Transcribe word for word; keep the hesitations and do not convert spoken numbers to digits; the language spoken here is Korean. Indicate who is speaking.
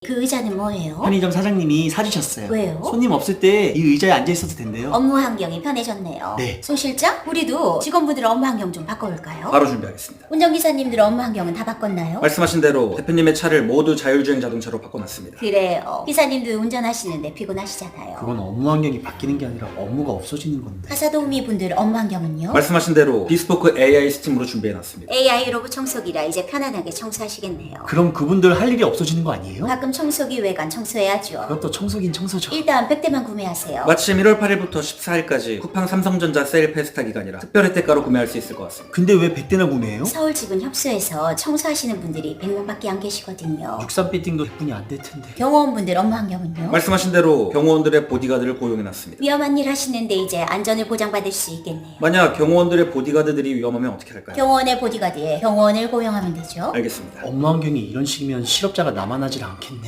Speaker 1: 그 의자는 뭐예요?
Speaker 2: 편의점 사장님이 사주셨어요.
Speaker 1: 왜요?
Speaker 2: 손님 없을 때 이 의자에 앉아 있어도 된대요.
Speaker 1: 업무 환경이 편해졌네요.
Speaker 2: 네.
Speaker 1: 송 실장, 우리도 직원분들 업무 환경 좀 바꿔볼까요?
Speaker 3: 바로 준비하겠습니다.
Speaker 1: 운전기사님들 업무 환경은 다 바꿨나요?
Speaker 3: 말씀하신 대로 대표님의 차를 모두 자율주행 자동차로 바꿔놨습니다.
Speaker 1: 그래요. 기사님도 운전하시는데 피곤하시잖아요.
Speaker 2: 그건 업무 환경이 바뀌는 게 아니라 업무가 없어지는 건데.
Speaker 1: 가사도우미 분들 업무 환경은요?
Speaker 3: 말씀하신 대로 비스포크 에이아이 시스템으로 준비해놨습니다.
Speaker 1: 에이아이 로봇 청소기라 이제 편안하게 청소하시겠네요.
Speaker 2: 그럼 그분들 할 일이 없어지는 거 아니에요?
Speaker 1: 가끔 청소기 외관 청소해야죠.
Speaker 2: 그것도 청소긴 청소죠.
Speaker 1: 일단 백 대만 구매하세요.
Speaker 3: 마침 일월 팔일부터 십사일까지 쿠팡 삼성전자 세일 페스타 기간이라 특별 혜택가로 구매할 수 있을 것 같습니다.
Speaker 2: 근데 왜 백 대나 구매해요?
Speaker 1: 서울 지분 협소해서 청소하시는 분들이 백 명밖에 안 계시거든요.
Speaker 2: 육삼 빌딩도 백 분이 안 될 텐데.
Speaker 1: 경호원분들 업무 환경은요?
Speaker 3: 말씀하신 대로 경호원들의 보디가드를 고용해놨습니다.
Speaker 1: 위험한 일 하시는데 이제 안전을 보장받을 수 있겠네요.
Speaker 3: 만약 경호원들의 보디가드들이 위험하면 어떻게 할까요?
Speaker 1: 경호원의 보디가드에 경호원을 고용하면 되죠.
Speaker 3: 알겠습니다.
Speaker 2: 업무 환경이 이런 식이면 실업자가 남아나질 않겠네.